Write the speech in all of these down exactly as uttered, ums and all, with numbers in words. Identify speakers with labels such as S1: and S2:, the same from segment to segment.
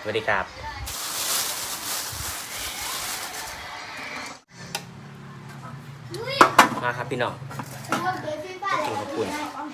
S1: สวัสดีครับมาครับพี่น้องกินขอบคุณ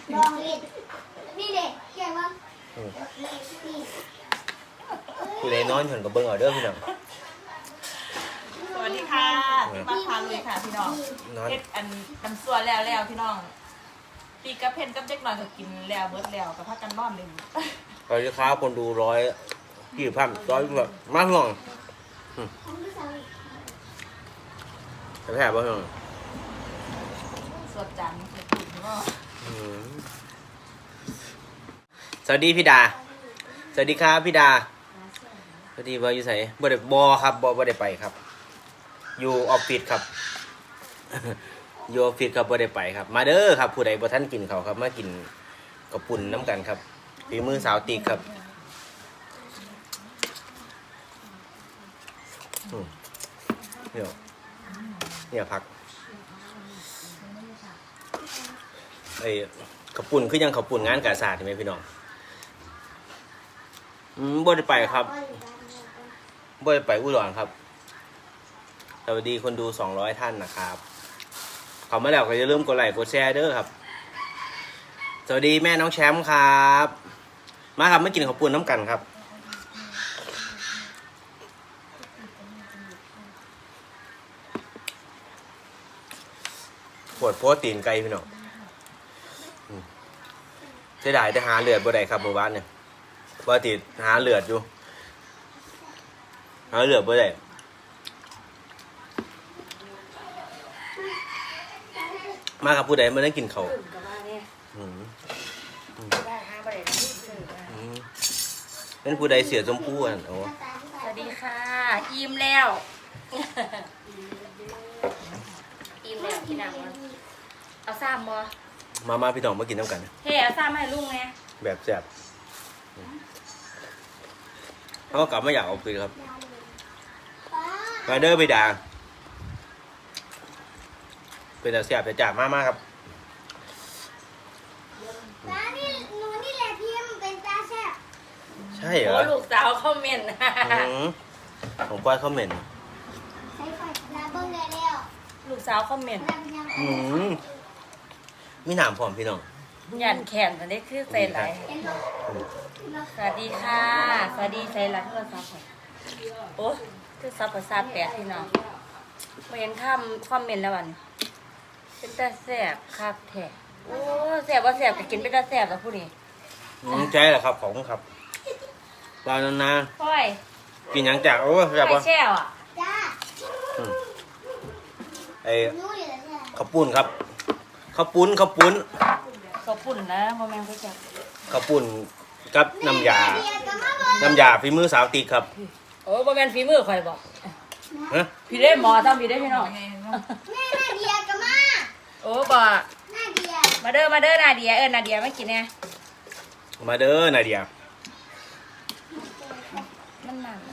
S1: คือเลยนอนอยู่กับเบิ้งออเดอร์พี่น้อง
S2: สวัสดีค่ะมาพาลุยค่ะพี่น้องเพชรอันน้ำซัวแล้วแล้วพี่น้องปีกระเพนกับเด็กหน่อยก็กินแล้วเบิร์ดแล้วกับพักกันนอนเลย
S1: สวัสดีครับคนดูร้อยกี่พันร้อยแบบมากหน่อยจะแพ้ป่ะพี่น้อง
S2: สดจังสดจริงเนาะ
S1: สวัสดีพี่ดาสวัสดีครับพี่ดาสวัสดีว่าอยู่ไหนบ่ได้บอครับบอบ่ได้ไปครับอยู่ออฟฟิศครับอยู่ออฟฟิศครับบ่ได้ไปครับมาเด้อครับผู้ใดบ่ท่านกินเขาครับมากินกระปุ่นน้ำกันครับฝีมือสาวตีครับเนี่ยเนี่ยพักไอ้กระปุ่นคือยังกระปุ่นงานกาศาสตร์ใช่ไหมพี่น้องอืมบ่ได้ไปครับบ่ได้ไปอุดรครับสวัสดีคนดูสองร้อยท่านนะครับขอมาแล้วก็อย่าลืมกดไลค์กดแชร์เด้อครับสวัสดีแม่น้องแชมป์ครับมาครับมากินข้าวปุ้นน้ำกันครับปวดโพสตีนไก่พี่น้องเสียดายแต่หาเลือดบ่ได้ครับเมื่อวานเนี่ยว่าติดหาเลือดอยู่หาเลือดบ่ได้มาครับผู้ใดมาได้กินเขาเป็นผู้ใดเสียชมพู่อ่ะโอ้
S2: สวัสดีค่ะอิ่มแล้วอิ่มแล้วกินหนังเอาซ้ำบ่
S1: มามาพี่น้องมากินน้ำกัน
S2: เฮ้เอาซ้ำให้ลุงไง
S1: แบบแซ่บเขาก็กลับมาอยากเอาไปครับมาเด้อไปด่าเป็นแต่แซ่บแต่จ่ามากมากครับใช่เหรอ
S2: ลูกสาวคอมเมนต์
S1: ของป้ายคอมเมนต์
S2: ลูกสาวคอมเมนต์
S1: มีหนามพร้อมพี่น้อง
S2: หยันแขนอันนี้คือใส่ไหลสวัสดีค่ะสวัสดีใส่ไหลโทรศัพท์โอ้คือซับประสาทแปดพี่น้องมาเห็นข้ามคอมเมนต์แล้ววันเป็นตาแสบคักแท้โอ้แสบว่าแสบก็กินเป็นตาแสบแล้วผู้นี้
S1: ใช่แหละครับของครับตอนนั้นนะ
S2: ค่อย
S1: กินยังจากโอ้แสบวะ
S2: แช่อ่ะ
S1: ไอ้ข้าวปุ้นครับข้าวปุ้นข้าวปุ้น
S2: ข้าวปุ้นนะโมแมงไปจับ
S1: ข้าวปุ้นกับน้ำยาน้ำยาฝีมือสาวตีครับ
S2: โอ้โมแมงฝีมือข่อยบอกพี่ได้หมอทำพี่ได้พี่น้องแม่นาเดียกับมาโอ้บ่นาเดียมาเด้อมาเด้อนาเดียเออนาเดียไม่กินแน่
S1: มาเด้อนาเดีย
S2: มันหนัก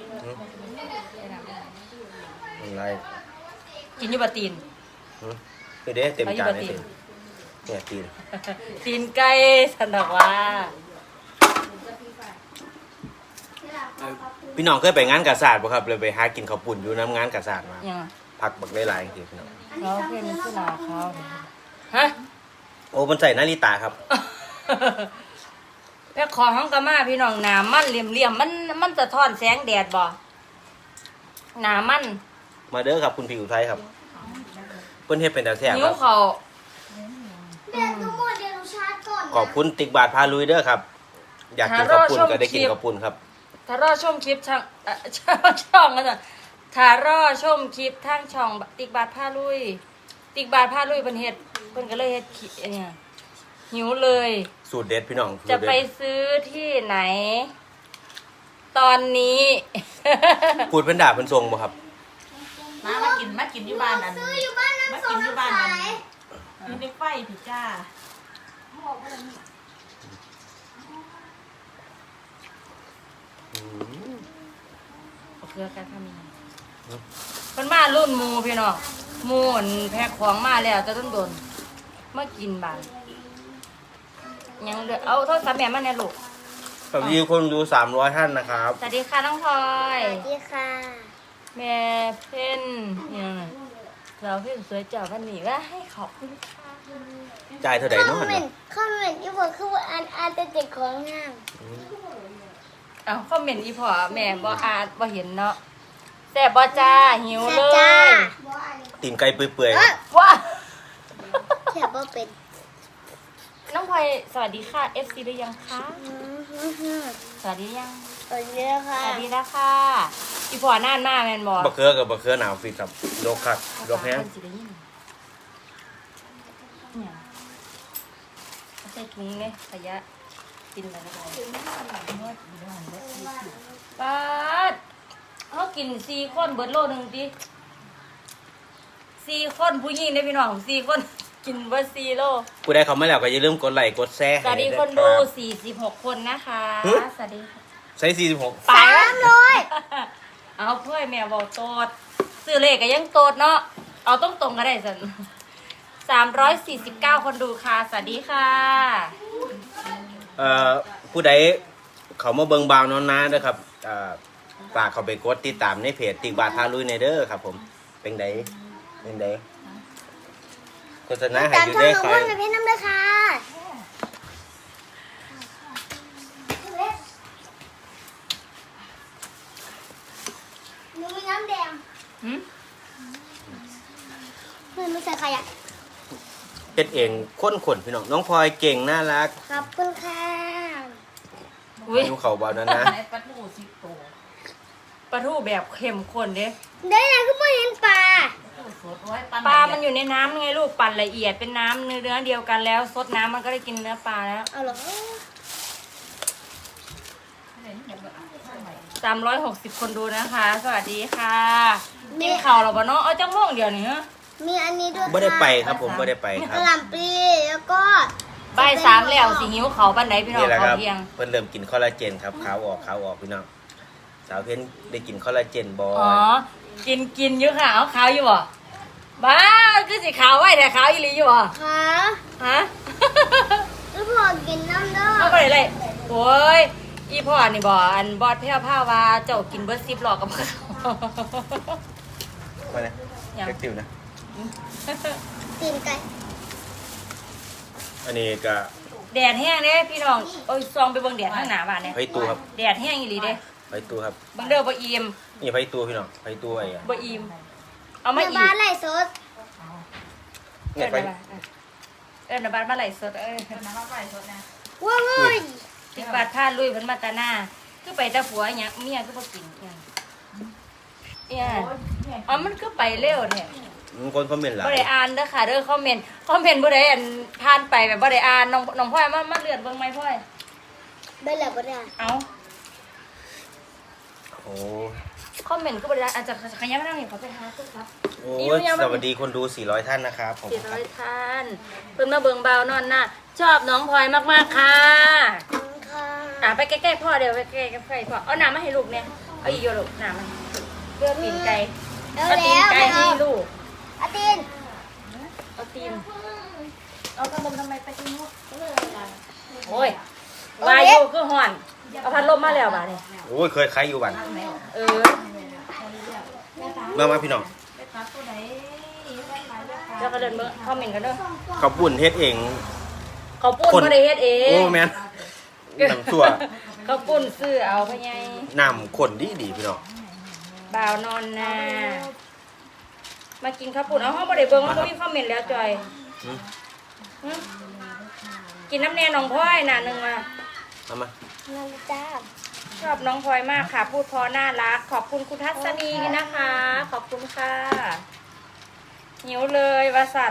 S1: อะไร
S2: กินยูบะตีน
S1: ไปเด้เต็มจานเลยเนี่ยตีน
S2: ตีนไก่สันดอกว่า
S1: พี่น้องเคยไปงานกาศาสตร์ป่ะครับเลยไปหากินข้าวปุ้นอยู่น้ำงานกาศาสตร์มาผักบักได้หลายทีพี่น้อง
S2: เขาเป็นผู้ลาเขาฮะ
S1: โอ้มันใส่นาฬิตาครับ
S2: แพ่ขอห้องกะมาพี่น้องหนามันเหลี่ยมเหลี่ยมมันมันจะทอนแสงแดดบ่หนามัน
S1: มาเด้อครับคุณพี่อุทัยครับเพิ่นเฮ็ดเป็นตาแซ่บครับ
S2: นิ้วเขา
S1: ขอบคุณติ๊กบาทพาลุยเด้อครับอยากกินข้าวปุ้นก็ได้กินข้าวปุ้นครับ
S2: ถ้ารอชมคลิปช่างช่องกันจ้ะถ้ารอชมคลิปทางช่องติ๊กบาทพาลุยติ๊กบาทพาลุยเพิ่นเฮ็ดเพิ่นก็เลยเฮ็ดเนี่ยหิวเลย
S1: สูตรเด็ดพี่น้อง
S2: จะไปซื้อที่ไหนตอนนี้
S1: พูดเป็นด่าเป็นทรงบ่ครับ
S2: มามากินมากินอยู่บ้านอันมากินอยู่บ้านอันมีในไฟผิดจ้าเพื่อการทำยังไงเป็นมารุ่นมูพี่น้องมูนแพ็คของมาแล้วจะต้นโดนมากินบ้านยังเหลือเอาโทษสามแม่มาแน่ลูก
S1: สวัสดีคนดูสามร้อยท่านนะครับ
S2: สวัสดีค่ะน้องพลอ
S3: ส
S2: ย
S3: วัสดีค่ะ
S2: แม่เพ่นเนี่ยเราเพ่นสวยจับวันนี้ว่าให้ขอบคุณค่ะ
S1: จ่ายเท่าไหร่
S3: คอ
S1: เนาะ
S3: มเมนต์คอมเมนต์ที่บอกคือว่าอ่านอ่านแต่เด็กของงาม
S2: เอาคอมเมนต์อีพอแม่บ่อ่านบ่เห็นเนาะแซ่บบ่จ้าหิว
S3: แซ่
S2: เล
S3: บจ้าย
S1: ตีนไก่เปื่อย
S3: เอ้ย
S2: ว้า
S3: แซ่บบ่เป็น
S2: น้องพลอยสวัสดีค่ะ เอฟ ซี หรือยังคะ
S3: อื้อหือหือ
S2: สวัสดียัง
S3: สวัสดีค่ะ
S2: สวัสดีแล้วค่ะอีพอนานมากแม่นบ่
S1: ๆบะเขือกับบะเขือหนาวฟิตครับโดกคักโดกแห้ง
S2: ภาษาคนสิได้ยินเนี่ยเอาใส่ถุงเลยขยะกินอะไรก็ได้ป้าดเขากินสี่คนเบิดโลหนึ่งดิสี่คนผู้หญิงได้พี่น้องสี่คนกินเบิดสี่โล
S1: ผู้ใดเขาไม่แล้วก็อย่าลืมกดไลค์กดแชร์
S2: สวัสดีคนดูสี่สิบหกคนนะคะสวัสดีค่ะ
S1: ใช้สี่สิบหก
S2: ไป
S3: สามร้อย
S2: เอาเพื่อแม่บอกโตดซื้อเลขก็ยังโตดเนาะเอาต้องตรงๆก็ได้สันสามร้อยสี่สิบเก้าคนดูค่ะสวัสดีค่ะ
S1: เอ่อผู้ใดเขามาเบิงบาวนอนนาเด้อครับเอ่อฝากเขาไปกดติดตามในเพจติกบาทพาลุยในเด้อครับผมเป็นไดเป็นไดโฆษณาให้
S3: ตาม
S1: อยู่
S3: ช่อง
S1: ได้
S3: น้อง
S1: คอ
S3: พ่
S1: ย
S3: นเพชรน้ำเลยค่ะหนูมีน้ำแดง
S2: หืม
S3: เพื่อนไม่ใส่ขยะ
S1: เป็นเองค้นขนพี่น้องน้องพลอยเก่งน่ารัก
S3: ขอบคุณค่ะ
S2: อุ้ย
S1: อยู่เขาบาวนอนนา
S2: ปลาทูสิบโตปลาทูแบบเข้มข้นเด้
S3: ได้ไงก็ไม่เห็นปลา
S2: ปลามันอยู่ในน้ำไงลูกปั่นละเอียดเป็นน้ำเนื้อเดียวกันแล้วซดน้ำมันก็ได้กินเนื้อปลาแล้ว
S3: เอาเหรอ
S2: สามร้อยหกสิบคนดูนะคะ สวัสดีค่ะกินข่าวหรอปะเนาะเอาจังม่วงเดียวนี่ฮะ
S3: มีอันนี้ด้วยค่ะ
S1: ไม่ได้ไปครับผมไม่ได้ไปค
S3: ก
S1: รับ
S3: ระหล่ำปลีแล้วก็
S2: บ่ายสามแล้วสิหิวเขาบันไดพี่น้อง
S1: นี่แหละค
S2: เขา
S1: รับ
S2: เพียง
S1: เพิ่นเริ่มกินคอลลาเจนครับขาวออกขาวออกพี่น้องสาวเพ้นได้กินคอลลาเจนบอ
S2: อ๋อ กินกินอยู่ค่ะเอาขาวอยู่บ่บ้าคือสิขาวไว้แต่ขาวอีหลีอยู่บ่
S3: ขา
S2: ฮะ
S3: แล้วพอกินน้ำเด้อ
S2: เอาไปเลยโอ้ยอีพ่อนี่บ่อันบอดแพ้วผ้าว่าเจ้ากินเบิร์ดซิปหลอกกับเขา
S1: มาเนี่ย
S2: ยัง
S1: เล็กติวนะ
S3: ตีนไก่
S1: อันนี้ก็
S2: แดดแห้งเด้พี่น้องโอ้ยซองไปเบิ่งแดดข้างหน้าบ้านเนี่ย
S1: ไผ่ตูครับ
S2: แดดแห้งอีหลีเด้
S1: ไผ่ตูครับ
S2: เบิ่งเด้อบ่อิ่ม
S1: นี่ไผ่ตูพี่น้องไผ่ตูไอ้อะ
S2: บ่อิ่มเอามา
S3: แม่
S2: อี
S3: บ้าน
S2: ก
S3: ไหลสด
S1: เนี่
S2: เอิ้
S1: ย
S2: น
S1: ไผ่
S2: นะบ้านเอิ้นนะบ้านมาไหลฟ์สดเอ้ย
S3: ว้าวเว้ย
S2: ติบาดพาลุยเพิ่นมาแตาหน้าคือไปแต่ผัวหยังเมียคือบ่กินหยังเนี่ยอ๋อมันคือไปเร็วแท้
S1: มีคนคอมเมนต์หลาย
S2: บ่ได้อ่านเด้อค่ะเด้อคอมเมนต์คอมเมนต์บ่ได้อันผ่านไปแบบบ่ได้อ่านน้องน้องพลอยมามาเลื่อนเบิ่งไหมพลอย
S3: ได้แล้วบ่ได้
S2: เอ้า
S1: โอ้
S2: คอมเมนต์ก็บ่ได้อ่านอาจจะขยันมาทางนี้ขอไปหาตู้ครับ
S1: โอ้สวัสดีคนดูสี่ร้อยท่านนะครับผม
S2: สี่ร้อยท่านเพิ่นมาเบิ่งเบานอนหน้าชอบน้องพลอยมากๆค่ะ
S3: ขอบคุณค่ะ
S2: อ่ะไปใกล้ๆพ่อเดี๋ยวไปใกล้ๆพ่อเอาน้ำมาให้ลูกเนี่ยเอาอีกโยลูกน้ำมาเลือกตีนไก่
S3: เอา
S2: เอาตีน
S3: แล้ว
S2: ไก่
S3: ไม่
S2: ให้
S3: เอา
S2: ลูก
S3: เอาตีน
S2: เอาตีนเอาพัดลมทำไมไปที่นู้นโอ้ย วายุคือห่อน เอาพัดลมมาแล้วบ่าเนี่ย
S1: โอ้ยเคยใครอยู่บ้าน
S2: เออ
S1: มามาพี่น้อง
S2: แล้วก็เดินเมื่อคอมเมนต์กันเด้อ
S1: ข้าวปุ้นเฮ็ดเอง
S2: เขาปุ้น
S1: คน
S2: บ่ได้เฮ็ดเอง
S1: โอ้แมนน้ำซั่ว
S2: เขาปุ้นซื้อเอาพ่อใหญ่
S1: น้ำข้นดีดีพี่น้อง
S2: บ่าวนอนนามากินข้าวปุ้นเอาห้องบ่ได้เบิ่งมันบ่มีคอมเมนต์แล้วจอย
S1: อืม
S2: หึกินน้ำแน่น้องพลอยน่ะหนึงมา
S1: เอามา
S3: นั่นจ้า
S2: ชอบน้องพลอยมากค่ะ พูดเพอน่ารัก ขอบคุณคุณทัศนีนะคะ ขอบคุณค่ะหิวเลยวาสัน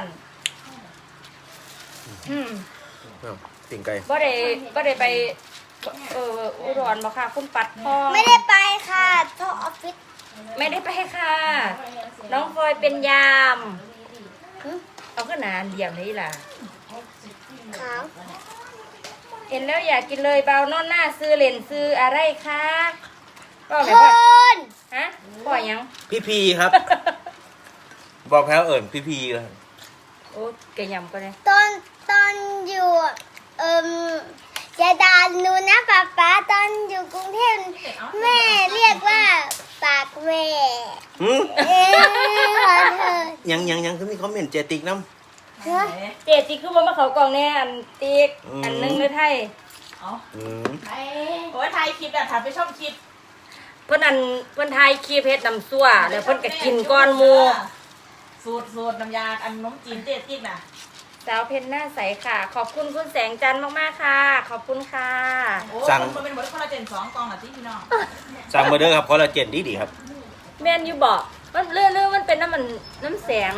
S2: อืม
S1: เอาติ่งไก่
S2: บ่ได้บ่ได้ไป เอออุดรบ่ค่ะ คุณปัดพ่อ
S3: ไม่ได้ไปค่ะท่อออฟฟิศ
S2: ไม่ได้ไปค่ะ น้องพลอยเป็นยาม
S3: หึ
S2: เอาขึ้นหนาเดี่ยมนี่ล่ะ
S3: ขาว
S2: เห็นแล้วอยากกินเลยเบานอนหน้าซื้อเลนซื้ออะไรคะก็
S3: ค
S2: ไม่พ่อน ฮะพ่อยัง
S1: พี่พีครับ บอกแพ้วเอิญพี่พีเลย
S2: โอ้เกยยำก็ได้
S3: ตอนตอนอยู่เอ่มจะด่าหนูนะป๊าป๊าตอนอยู่กรุงเทพแม่เรียกว่าปากแม่
S1: หืม
S3: เอ้ยขอโทษ
S1: ยังยังยังคือมีคอมเมนต์เจติกน้
S3: เฮ้ย
S2: เจติคือบ่มาเขากล่องแน่อันติ๊ก
S1: อืม
S2: อันหนึงเลยไทย
S4: เอา
S1: ำอืม
S4: โอ้ยถ่ายคลิปอ่ะถ่ายไปชอบคลิป
S2: เพิ่นอันเพิ่นทายคลิปเฮ็ดน้ำซั่วแล้วเพิ่นก็กินก้อนหมู่
S4: สูตรสูตรน้ำยาอันนมจีนเจ๊ติ๊กน่ะ
S2: สาวเพชรหน้าใสค่ะ ขอบคุณคุณแสงจันทร์มากๆค่ะ ขอบคุณค่ะ
S4: โอ้มันเป็นหมดคอลลาเจนสองกองอ่ะที่พี่น้อง
S1: สั่งมาเด้อครับคอลลาเจนดีดีๆครับ
S2: แม่นอยู่บอกมันเรื่องเรื่องมันเป็นน้ำมันน้ำแสง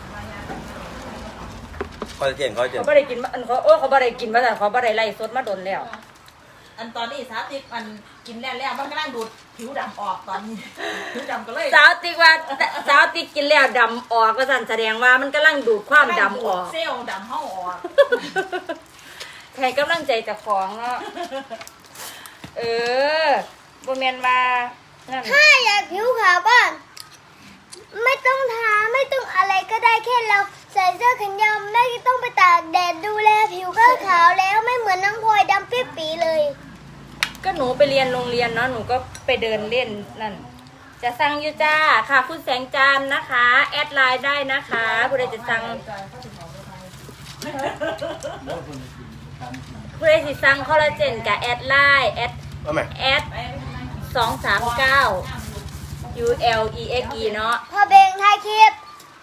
S1: คอลลาเจนคอลลาเจน
S2: เขาบ่ได้กินมาอันเขาโอ้เขาบ่ได้กินมาแต่เขาบ่ได้ไล่สดมาโดนแล้ว
S4: อันตอนนี้สาธิตมันกินแล้วแล้วมันกำลังดูดผิวดำออกตอนนี้ผิวดำก็เลย
S2: สาวติ๊กว่าสาวติ๊กกินแล้วดำออกก็สั่นแสดงว่ามันกำลังดูดความดำออก
S4: เซลล์ดำห้องออก
S2: แทนกำลังใจเจากของเนาะเออบ่แม่นว่านั่น
S3: ถ้าอยากผิวขาวก็ไม่ต้องทาไม่ต้องอะไรก็ได้แค่เราใส่เสื้อแขนยาวไม่ต้องไปตากแดดดูแลผิวก็ขาวแล้วไม่เหมือนน้องพลอยดำปิ๊บปีเลย
S2: ก็หนูไปเรียนโรงเรียนเนาะหนูก็ไปเดินเล่นนั่นจะสั่งอยู่จ้าค่ะคุณแสงจันทร์นะคะแอดไลน์ได้นะคะผู้ใดจะสั่งผู้ใดสิสั่งคอลลาเจนกับแอดไลน์แอด
S1: เอาไหม
S2: แอดสองสามเก้า U L E X E เนาะ
S3: พ่อเบงถ่ายคลิป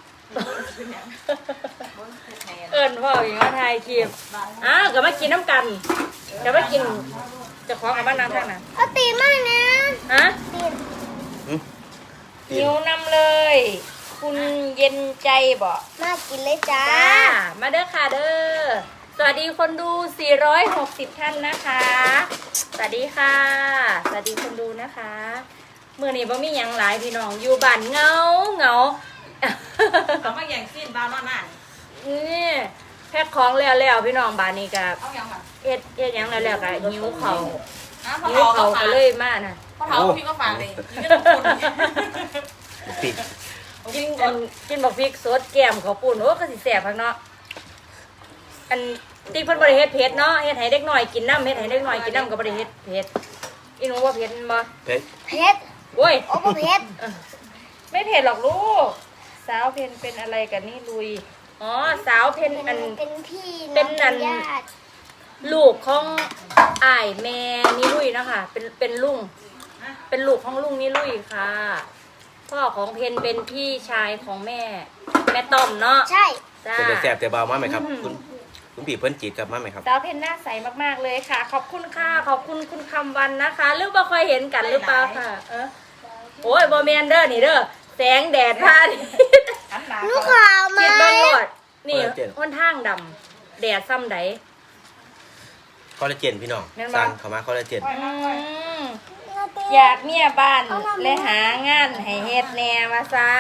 S2: เอิญพ่ออย่างว่าไทยคลิปอ้าวก็มากินน้ำกันก็มากินจะขอกับบ้านน้ำท่านนะ
S3: เอาตีมากนะ
S2: ฮะ
S3: ตี
S1: อืม
S2: หิวนำเลย คุณเย็นใจบอก
S3: มากินเลยจ้า
S2: จ้ามาเด้อค่ะเด้อสวัสดีคนดูสี่ร้อยหกสิบท่านนะคะสวัสดีค่ะสวัสดีคนดูนะคะเมื่อนี้บ่มีหยังหลายพี่น้องอยู่บ้านเงาเงา
S4: เอามาอย่างสิ้นบ้านนอนนั่น
S2: นี่แพ็คของแล้วแล้วพี่น้องบ้านนี้กับ
S4: เอาอย่างค่ะ
S2: เฮ็ดเฮ็ดหยังแล้วแล้วกับหิวเขา
S4: อ้าวพอ
S2: หิว
S4: เขา
S2: เขา
S4: ก็
S2: ก็
S4: ฝาก
S2: เลยมาน่ะ
S4: พอเขาพี่ก็ฝากเลยนี่ก็ต้องคน
S1: ปิด
S2: กินอันกินบักพริกสดแก้มเขาวปุ่นโอ้ก็สิแซ่บพักเนาะอันติ๊กเพิ่นบ่ได้เฮ็ดเผ็ดเนาะเฮ็ดให้เด็กน้อยกินน้ำเฮ็ดให้เด็กน้อยกินน้ำก็บ่ได้เฮ็ดเผ็ดอีหนูว่าเผ็ดแม่นบ่
S1: เพชร
S3: เพชร
S2: โอ้ย
S3: โอ้พ่อเพชร
S2: ไม่เผ็ดหรอกลูกสาวเพนเป็นอะไรกันนี่ลุยอ๋อสาวเพนอัน
S3: เป็นพี่
S2: เป็นอัน
S3: ญาติ
S2: ลูกของอ้ายแม่นี่ลุยนะคะเป็นเป็นลุงเป็นลูกของลุงนี่ลุยค่ะพ่อของเพนเป็นพี่ชายของแม่ แม่ต้อมเนาะ
S3: ใช่
S2: จ้า
S1: เป็นแต่แสบแต่เบามากไหมครับ คุณคุณผีเพิ่นจีดกลับมาไหมครับ
S2: สาวเพนหน้าใสมากๆเลยค่ะ ขอบคุณค่ะขอบคุณคุณคำวันนะคะหรือบ่ค่อยเห็นกันหรือเปล่าค่ะ เออโอ้ยบอแมนเด้อนี่เด้อแสงแดดพาดิ
S4: อันหนา
S3: หนูขาวไหม
S2: คิดเบิ่งโลดนี่
S1: คอลลาเจน
S2: ค่อนข้างดำแดดซ้ำใด
S1: คอลลาเจนพี่น้อง
S2: แม่นบ่
S1: สั่งเข้ามาคอลลาเจน
S2: อืมอยากเมียบ้านและหางานให้เฮ็ดแหน่มาซาน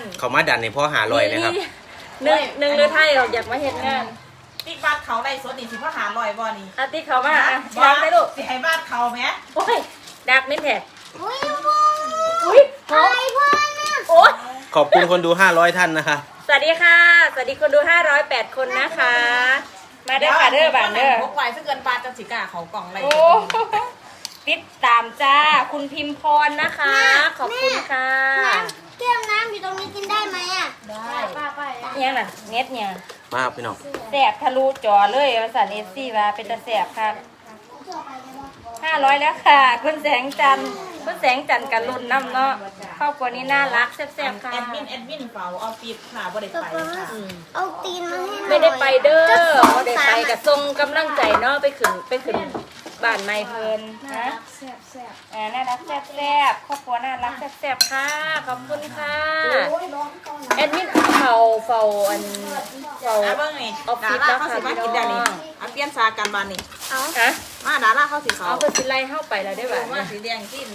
S1: เขามาดันในพ่อหาลอยนะครับ
S2: หนึ่งหนึ่งหรือไทยออกอยากมาเฮ็ดงาน
S4: ติ๊กบ้านเขาได้สดนี่สิพ่อหาลอยบ่นี่
S2: อาติเขามาอ่ะ
S4: บ่
S2: ดักไปลูก
S4: สิให้บ้านเขาไหม
S2: โอ้ยดักไม่แท้
S3: อุ้ยพ่อ
S2: อุ้ยหอม
S3: ไอพ่อนะ
S2: โอ้ย
S1: ขอบคุณคนดูห้าร้อยท่านนะคะ
S2: สวัสดีค่ะ สวัสดีคนดูห้าร้อยแปดคนนะคะ มาเด้อค่ะเด้อบ้านเด้อ
S4: พกไว้ซะเกินปลาจังสิกาเขากล่องอะไร
S2: โอ้ติดตามจ้า คุณพิมพรนะคะ ขอบคุณค่ะ
S3: น้ำแก้วน้ำอยู่ตรงนี้กินได้ไหมอ่ะ
S4: ได้
S3: ป้าป้า
S2: เนี่ยน่ะเน็ตเนี่ย
S1: มาครับพี่น้อง
S2: แสบทะลุจอเลยภาษาเอซี่ว่าเป็นตาแสบค่ะห้าร้อยแล้วค่ะ คุณแสงจันทร์คุณแสงจันทร์กันรุ่นน้ำเนาะครอบครัวนี้น่ารักแซ่บๆค่ะ
S4: แอดมินแอดมินเฝ้าออฟฟิศค่ะบ่ได้ไปค่ะ
S2: อืม
S3: เอาตีนมาให้หน่อย
S2: ไม่ได้ไปเด้อ
S3: จะสอง
S2: ไม่ได้
S3: สา
S2: ไป
S3: ม
S2: กับทรงกำลังใจเนาะไปขึ้นไปขึ้นบ้านไม่เพลินนะ
S3: แซ่บแซ่บ
S2: อ่าน่ารักแซ่บๆครอบครัวน่ารักแซ่บๆค่ะ ขอบคุณค่ะ
S3: โอ้ยร้อนก่อน
S2: แอดมินเฝ้าเฝ้าอันเฝ้า
S4: อ่ะเบิ่งนี่
S2: ออฟฟิ
S4: ดา
S2: ศ
S4: ราเขาสิมากินได้นี่
S2: แล้วค่ะ
S4: อ่ะเปลี่ยนซากันบ้านนี่
S3: เอา
S2: ฮะ
S4: มาดาราเขาสิเขา
S2: เอาก็สิไล่เข้าไปแล้วได้บ่า
S4: มาสีแดงกิน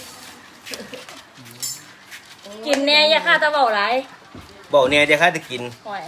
S2: กินแน่อย่าฆ่าตะเบาไร
S1: บอกเนี่ยจะค่าจะกิน
S2: ห่วย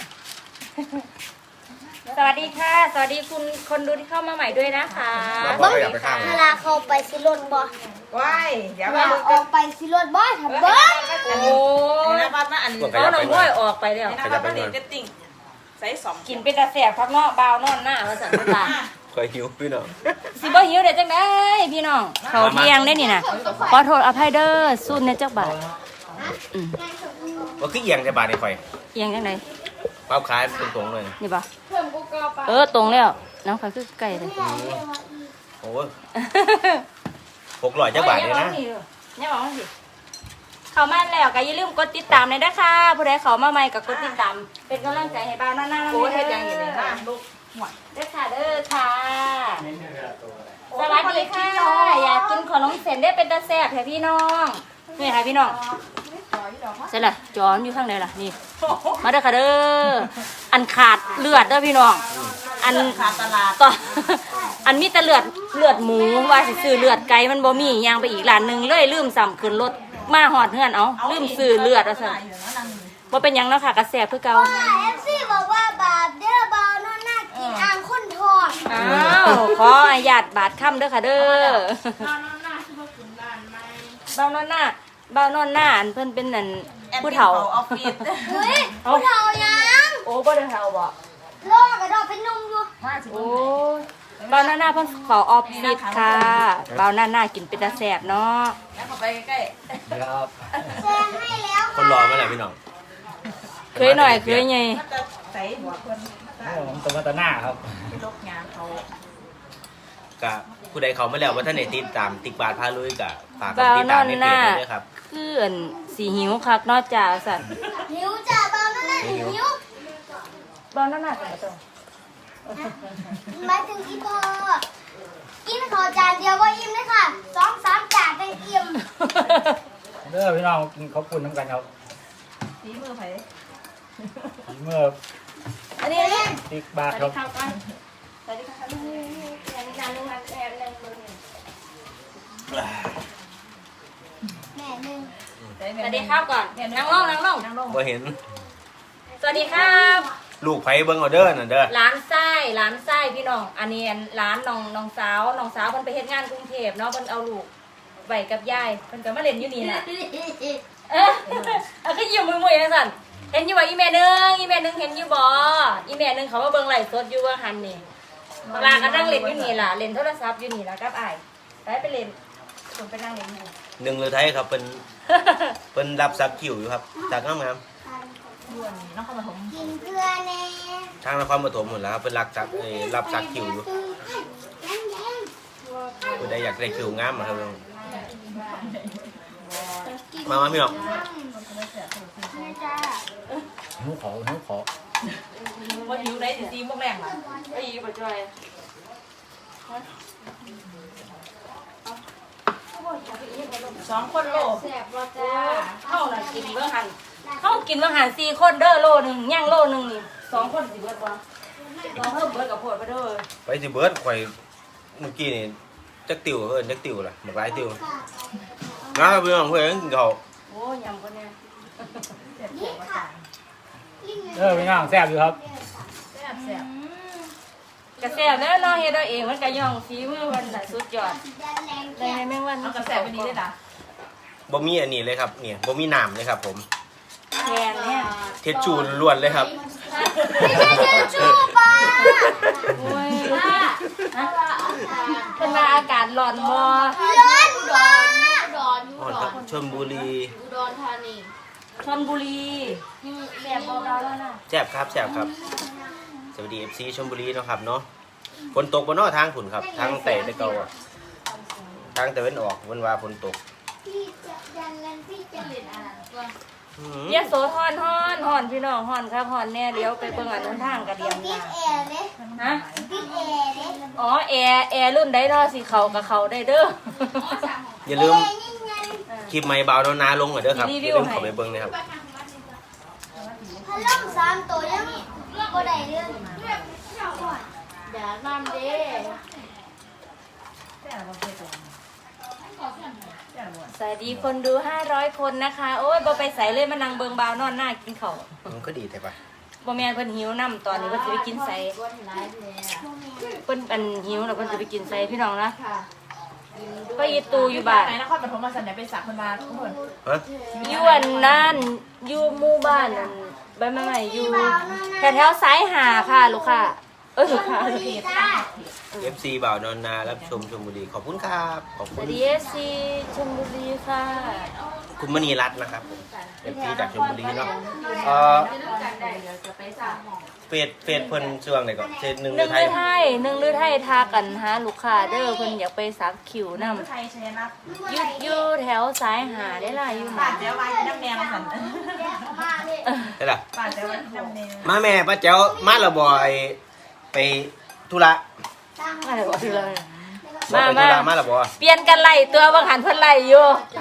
S2: สวัสดีค่ะ สวัสดีคุณคนดูที่เข้ามาใหม่ด้วยนะคะ
S1: มาบอกว่าอย่าไปข้าง
S3: เวลาเขาไปซิรถบ่
S4: ว้ายเดี๋ยว
S3: เว
S4: มา
S3: ลา
S4: ดู
S3: ออกไปซิรถบ่ทำเบิ้ง
S2: โอ้
S4: อัน
S2: ย
S4: นี้บ้านมาอันนี้
S2: เอาหน่องห้อยออกไปแล้ว
S4: อันนี้บ้านมาเรียนเก็ตติ้งใส่สอง
S2: กินเป็นตาแสบพักเนาะบาวนอนหน้ามาสั่นตา
S1: คคอยหิวพี่น้อง
S2: สิบ่หิวได้จังได๋พี่น้องเขาเที่ยงได้นี่น่ะขอโทษอภัยเด้อสู้ในจักบาทอืม
S1: ว่าคือเอียงแต่บาทในคอย
S2: เที่ยงจังได๋
S1: เป้าขายตรงๆเลย
S2: นี่บ่เออตรงแล้วน้องเขาคือไก่เลย
S1: โอ้ยหกร้อยจักบาทเลยนะ
S2: เนี่ยบอกว่าสิเข้ามาแล้วก็อย่าลืมกดติดตามเลยนะคะผู้ใดเข้ามาใหม่ก็กดติดตามเป็นกำลังใจให้บ้านหน้าๆ
S4: โอ้ยเฮ็ดยังอยู่นี่นะลูกหวด
S2: เด้อค่ะเด้อค่ะสวัสดีค่ะอยากกินขนมเส้นได้เป็นตาแซ่บให้พี่น้องนี่ค่ะพี่น้องใช่ละจอนอยู่ข้างในล่ะนี่มาเด้อค่ะเด้ออันขาดเลือดเด้อพี่น้องอัน
S4: ขาดตลาด
S2: ต่ออันมีแต่เลือดเลือดหมูว่าสิซื้อเลือดไก่มันบ่มีย่างไปอีกร้านหนึงเลยลืมซ้ำขึ้นรถมาหอดเฮือนเอาลืมซื้อเลือดว่าซั่นบ่เป็นหยังเนาะค่ะกระแสคือเก่า
S3: ว่าเอฟซีบอกว่าบาปเด้อเบาโน่นน่ากินอ่างคนทอง
S2: อ้าวขออนุญาตบาดค่ำเด้อค่ะเด้อเบานอนหน้าเบานอนหน้าอันเพิ่นเป็นนั่นผู้เฒ่า
S4: ออฟฟิศ
S3: เฮ้ยผู้เฒ่ายัง
S2: โอ้บ่ได้เฒ่าบ่
S3: โลกกระดอกเป็นนุ่มอยู่
S4: มาสิ
S2: โอ้เบาหน้าหน้าเพิ่นขอออฟฟิศค่ะเบาหน้าหน้ากินเป็นตาแซ่บเนาะ
S4: แล้วเข้าไปใกล้
S5: ครับ
S3: แซงให้แล้ว
S1: คนรอมาแล้วพี่น้อง
S2: เคยหน่อยเคยไง
S4: ๆมันจะใส่หัวคน
S5: ผมตะวันตะหน้าครับ
S4: ที่ลกงานเขา
S1: กับผู้ใดเขามาแล้วว่าท่านไหนติดตามติ๊กบาทพาลุยกับฝากกด
S2: เบา
S1: ติด
S2: น
S1: ตา
S2: อ
S1: ม
S2: น
S1: ใน
S2: ห
S1: เพจ
S2: น้า
S1: ด้วยครับ
S2: คืออันสีหิวคักเนอกจากสัน
S3: หิวจ้ะเบาโน่นน่าหิว
S2: เบาหน้าหน้ากันบ่ต้อง
S3: หมายถึงอีพอกินข้าวจานเดียวก็อิ่มเลยค่ะสองสามจานเป็นอิ่ม
S5: เด้อพี่น้องกินข้าวปุ้นน้ำกันครับ
S4: ฝีมือไผ
S5: เมื่อ
S2: อันนี้อันนี้
S5: ติ๊กบา
S2: ส
S5: ท
S2: วัส
S5: ครั
S2: ดี
S5: บ
S2: ครับก่อนสวัสดีครับนี่นี่นี่อันนี้อันนึงอันแอบนึงมึง
S3: แม่หนึ่ง
S2: สวัสดีครับก่อนนั่งลงนั่งลง
S4: นั่งลง
S1: บ่เห็น
S2: สวัสดีครับ
S1: ลูกไผเบิ่งเอาเด้อน่ะเด้อ
S2: ร้านไส้ร้านไส้พี่น้อง อันนี้อันร้านน้องน้องสาวน้องสาวเพิ่นไปเฮ็ดงานกรุงเทพเนาะเพิ่นเอาลูกไว้กับยายเพิ่นก็มาเล่นอยู่นี่น่ะ เออเอาขึ้นอยู่มือมือยังสั่นเห็นอยู่บ่อีเมลนึงอีเมลนึงเห็นอยู่บ่อีเมลนึงเขาว่าเบิ่งไลฟ์สดอยู่ว่าหันนี่ปลาก็นั่งเล่นอยู่นี่ล่ะเล่นโทรศัพท์อยู่นี่ล่ะกับอ้ายไปไปเล่นผมไปนั่งเล่นอยู่
S1: หนึ่งเลยไทยครับเป็นเป็นรับสักคิวอยู่ครับจากงาม
S4: ด่วนน้องเข้ามาถม
S3: กินเกลือแน่
S1: ๆทางนครปฐมหมดแล้วครับเป็นรับสักเอ่อรับสักคิวอยู่
S3: แดงแดง
S1: ผู้ใดอยากได้คิวงามมาครับพี่น้องมามาพี่น้อง
S3: แม่จ้า
S5: หิวขอหิวขอ
S4: ว่าหิวได้สิซีพวกแรงล่ะ
S2: ไอ้บ่จ่อย
S4: สองคนโล
S3: แสบบ่จ้า
S2: เฮาน่ะกินเบิ่งหันเฮากินเบิ่งหันสี่คนเด้อโลนึงย่างโลนึงนี่สองคนสิเบิดบ่ลองเพิ่มเบิดกับโพดไปเด้อ
S1: ไปสิเบิร์ดข่อยเมื่อกี้นี่จักติวเอิ้นจักติวล่ะหมากหลายติวนะครับพี่น้องเพื่อนกินข้าว
S2: โอ้ยำคนเนี้ย
S4: เจ็บหัวจ้า
S5: เด้อพี่น้องแซ่บอยู่ครับ
S4: แซ่บแซ่บ
S2: กระแสเด้อเนาะเฮ็ดเอาเองมันก็ย่องฝีมือมันน่ะสุดยอด
S3: แรง
S2: ได้แม่งวัน
S4: เอากระแสไปดีเลยล่ะ
S1: บ่มีอันนี้เลยครับเนี่ยบ่มีน้ำเลยครับผม
S2: แทนเนี่ย
S1: เทชชูล้วนเลยครับ
S3: ไม่ใช่เชื้อชูปลา
S2: โอ้ยเป็นมาอากาศร้อนบ่
S3: ร้อนมาก
S1: อ๋อครับชลบุรี
S2: ชลบุรีแบบบ่เราแล้วนะ
S1: แซ่บครับแซ่บครับ สวัสดี เอฟ ซี ชลบุรีเนาะครับเนาะฝนตกบนนอทางฝุ่นครับทางแต่ตะเกาอะทางตะเวนออกวันว่าฝนตก
S3: พี่จะยันเล่นพี่จะเล่นอะไรตัว
S1: อื้อหือ
S2: เยโสธรฮ้อนฮ้อนพี่น้องฮ้อนครับฮ้อนแน่เดี๋ยวไปเบิ่งอันนู้นทางกระเดียม
S3: ติด
S2: นา
S3: แอร์เลย
S2: ฮะ
S3: ติดแอร์เลย
S2: อ๋อแอร์แอร์รุ่นใดเนาะสิเข้ากับเขาได้เด้อ
S1: อย่าลืม
S3: แอร์ยิ่งไง
S1: คลิปไม่เบาโนนาลงหน่อยเด้อครับ
S2: รี
S1: อ
S2: วิ
S1: ย่าว ลืม
S2: ให้
S1: เข้าไปเบิ่งนะครับ
S3: พัดลมสามตัวยังบ่ได้เรื่อง
S6: เดี๋ยวนำเด้
S4: แซ่บบ่เคยตรงแซ่บบ่
S2: สวัสดีคนดูห้าร้อยคนนะคะ โอ้ยบ่ไปใส่เลยมานั่งเบิ่งบ่าวนอนหน้ากินข้าว
S1: มันก็ดีแต่ปะ
S2: บ่แม่นเพิ่นหิวน้ำตอนนี้เพิ่นสิไปกินไส
S6: ก้นร้ายเลย
S2: เพิ่นอันหิวแล้วเพิ่นสิไปกินไสพี่น้องนะ
S6: ค่ะ
S2: ก็อีตูอยู่บ้าน
S4: ไหนนครปฐมมาสันไหนไปสักคนมาทุกคน
S1: ฮะ
S2: อยู่อันนั้นอยู่หมู่บ้านนั่นใบไม้ใหม่อยู่แถวแถวๆสายหาค่ะลูกค่ะเออค่ะ
S3: ดีจ้า
S1: เอฟซีบ่าวนอนนารับชมชมบุรีขอบคุณครับขอบ
S2: ส
S1: คุ
S2: วั
S1: ณ
S2: สดีเอฟซีชลบุรีค่ะ
S1: คุณมณีรัตน์นะครับเอฟซีจากชมบุรีเนาะเออเฟซเฟซเพิ่นช่วงไหนก่อนเฟซหนึ่ง
S2: ห
S1: หรื
S2: นึ่
S1: อง ไท
S2: ลื
S1: ย
S2: อไทยหนึ่งลือไทยทากันหาลูกค้าเด้อเพิ่นอยากไปสักคิวนำ
S4: ไทยชยนัท
S2: อยู่อยู่แถวสายหาได้ล่ะอยู่ห
S4: ป้า
S2: มา
S4: เจ้าไว้น้ำแนวสัน
S1: ได้ล่ะ
S4: ป้าเจ้าไว้น้ำแนว
S1: มาแม่ป้าแจ๋วมาและบ่อยไปธุระ
S2: มาเลยบ่ถือเลย
S1: บ่
S2: มา
S1: ไป
S2: มา
S1: ธุระมาและบ่
S2: เปลี่ยนกันไล่ตัวบางหันเพิ่นไล่อยู่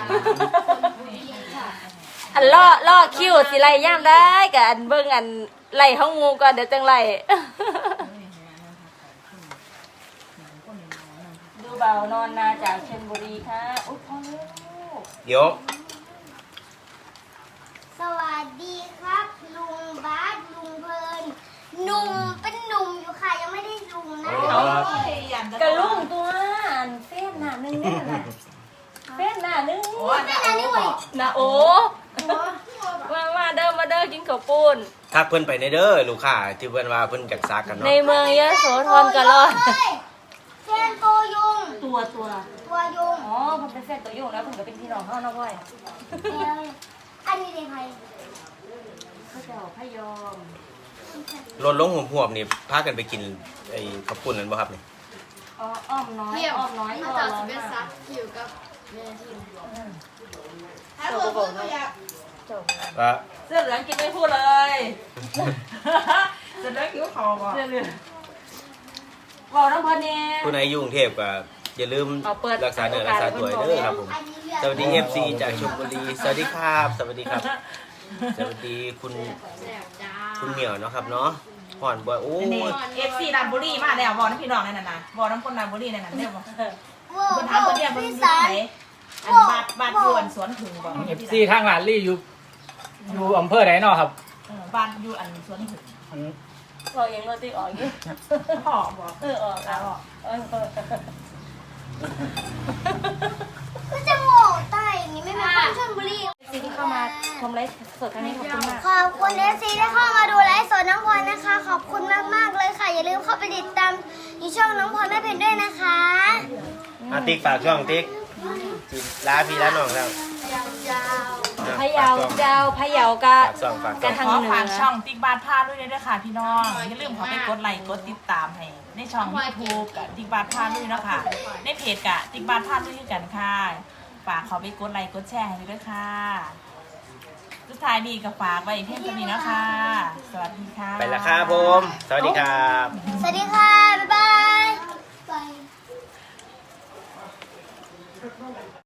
S2: อันล่อล่อคิวสิไล่ย่ามได้กับอันเบิ่งอันไล่ห้องงูก่อนเดี๋ยวจังไล่ดูเบานอนนาจากชลบุรีค่ะอุ๊ยพ่อลูก
S1: เดี๋ยว
S3: สวัสดีครับ ลุงบาสลุงเพลินหนุ่มเป็นหนุ่มอยู่ค่ะยังไม่ได้ลุงนะ
S2: กระลุ่งตัวอันเฟ้นหน้านึงเนี่ยน่ะเฟ้นหน้านึง
S4: โอ้ยนะโอ้บอก
S2: นะโอ้มามาเด้อมาเด้อกินข้าวปุ้น
S1: ทักเพิ่นไปในเด้อลูกค้าที่เพิ่นว่าเพิ่นจักซักกัน
S2: ใน
S1: เนาะ
S2: เมืองยโสธรกันรอด
S3: เฮ้ยแฟนตัวยุง
S2: ตัวตัว
S3: ตัวยุง
S2: อ๋อผมเป็นแฟนตัวโยงแล้วผมก็เป็นพี่น้องเขานะพ่อย
S3: อันนี้เป็นใคร
S2: เขาเจ้าพยอม
S1: รถลงห่วมๆนี่พากันไปกินไอ้ข้าวปุ้นนั่นบ่ครับนี่
S2: อ๋ออ้อมน้อย
S6: เที่ยว
S2: อ้อมน้อย
S6: มา
S2: ก็
S6: จาก
S2: ร้อ
S6: สิ
S2: น
S6: เป็น
S2: มา
S6: ซั
S2: ก
S6: กคิวกับแม่ทีม
S2: เจ้าก็บอกนะเจ้า
S1: ว่า
S4: เสื้อเหลืองกินไม่พูดเลย เสื้อเหลืองคิ้วคอบอก
S2: เรื่องเรื่องบอกน้ำเพลินเนี่ย
S1: ผู้ใดอยู่กรุงเทพก็อย่าลืม
S2: เอาเปิด
S1: รักษาเนื้อรักษาตัวเด้อครับผม
S3: อันนี้เลือด
S1: สวัสดี เอฟ ซี จากชลบุรีสวัสดีครับ สวัสดีครับ สวัสดีคุณ
S6: แสบจ้า
S1: คุณเหมียวเนาะครับเนาะห่อนบ่อยโอ้
S4: นี่
S1: ย
S4: เอฟซีดันบุรีมาแล้วบอกน้ำพี่น้องนั่นน่ะนะบอกน้ำคนดันบุรีนั่นน่ะเนี่ยบอก
S3: โว้
S4: คน
S3: โห
S4: ถามคนเนี่ยคน
S3: พี่
S4: อยู่
S3: สา
S4: ไห
S3: ร
S4: นอันบาดบาดยวนสวนถึงบอก
S5: เอฟซีทางหลานลี่อยู่อยู่อำเภอไหนเนาะครับ
S4: เออบาดอยู่อันสวนถึง
S5: อัน
S2: บอกยังโรตีออกอยู่
S4: พ่อบอก
S2: เออออกแล้วเออ
S3: ก็จะโง่ใต้อย่างนี้ไม่เป็นคนชลบุรี
S2: ซีที่เข้ามาชมไลฟ์สดครั้งนี้ขอบคุณมาก
S3: ขอบคุณเอฟซีที่เข้ามาดูไลฟ์สดน้องพลอยนะคะ ขอบคุณมากๆเลยค่ะ อย่าลืมเข้าไปติดตามในช่องน้องพลอยแม่เพนด้วยนะคะ
S1: อาติ๊กฝากช่องติ๊กจิลาพี่ลาน้องแล้ว
S2: พะเยาเจ้าพะเยากะ
S1: ฝากช่องฝาก
S2: กะ
S1: ช่อง
S2: ทาง
S4: ขอ
S2: เหนื
S4: ฝาก
S2: อ
S4: ช่องติ๊กบาทพาด้วยด้วยค่ะพี่น้องอย่าลืมขอไปกดไลค์กดติดตามให้ในช่องยูทูบกับติ๊กบาทพาด้วยเนาะค่ะในเพจกะติ๊กบาทพาด้วยด้วยกันค่ะฝากเขาไปกดไลค์กดแชร์ให้ด้วยค่ะสุดท้ายดีกับฝากไว้เพียงเท่านี้นะคะ สวัสดีค่ะ
S1: ไปละครับผม สวัสดีครับ
S3: สวัสดีค่ะ บ๊ายบาย บาย